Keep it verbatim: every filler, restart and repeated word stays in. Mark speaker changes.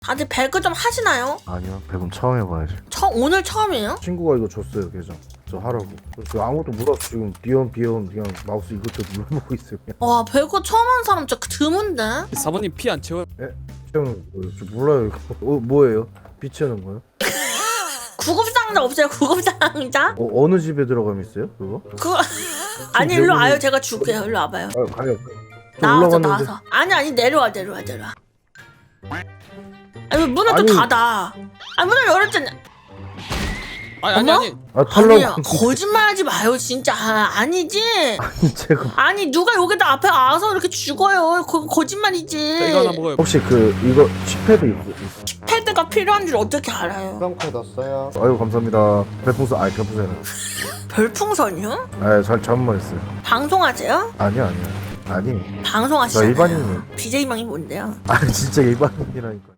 Speaker 1: 다들 배그 좀 하시나요?
Speaker 2: 아니요, 배분 처음 해봐야지.
Speaker 1: 처, 오늘 처음이에요?
Speaker 2: 친구가 이거 줬어요, 계정. 저 하라고. 저 아무것도 몰라서 지금 비염 비염 그냥 마우스 이것저것 눌러보고 있어요. 그냥.
Speaker 1: 와 배그 처음 하는 사람 진짜 드문데?
Speaker 3: 사모님 피 안 채워요?
Speaker 2: 채우는 거예요? 저 몰라요. 이거. 어, 뭐예요? 비치는 거요?
Speaker 1: 구급상자 없어요 구급상자?
Speaker 2: 어, 어느 집에 들어가면 있어요? 그거?
Speaker 1: 그거 아니 일로 와요 제가 줄게요 일로 와봐요
Speaker 2: 아, 가요. 저
Speaker 1: 나와서
Speaker 2: 올라갔는데.
Speaker 1: 나와서 아니 아니 내려와 내려와 내려와 아니 왜 문을
Speaker 2: 아니.
Speaker 1: 또 닫아 아니 문을 열었잖아
Speaker 3: 아니 아니
Speaker 1: 어머?
Speaker 3: 아니
Speaker 2: 아,
Speaker 1: 아니야
Speaker 2: 탈락.
Speaker 1: 거짓말하지 마요 진짜 아, 아니지
Speaker 2: 제가
Speaker 1: 아니 누가 여기다 앞에 와서 이렇게 죽어요 그거 거짓말이지
Speaker 3: 자, 이거 하나 먹어요.
Speaker 2: 혹시 그 이거 칩패드 있어?
Speaker 1: 패드가 필요한 줄 어떻게 알아요
Speaker 4: 수강코에 넣었어요.
Speaker 2: 아유 감사합니다. 별풍선 아니 별풍선.
Speaker 1: 별풍선이요?
Speaker 2: 아잘 잘못했어요.
Speaker 1: 방송하세요?
Speaker 2: 아니요 아니요. 아니. 저
Speaker 1: 방송하시잖아요
Speaker 2: 일반인이에요.
Speaker 1: 비제이명이 뭔데요?
Speaker 2: 아니 진짜 일반인이라니까.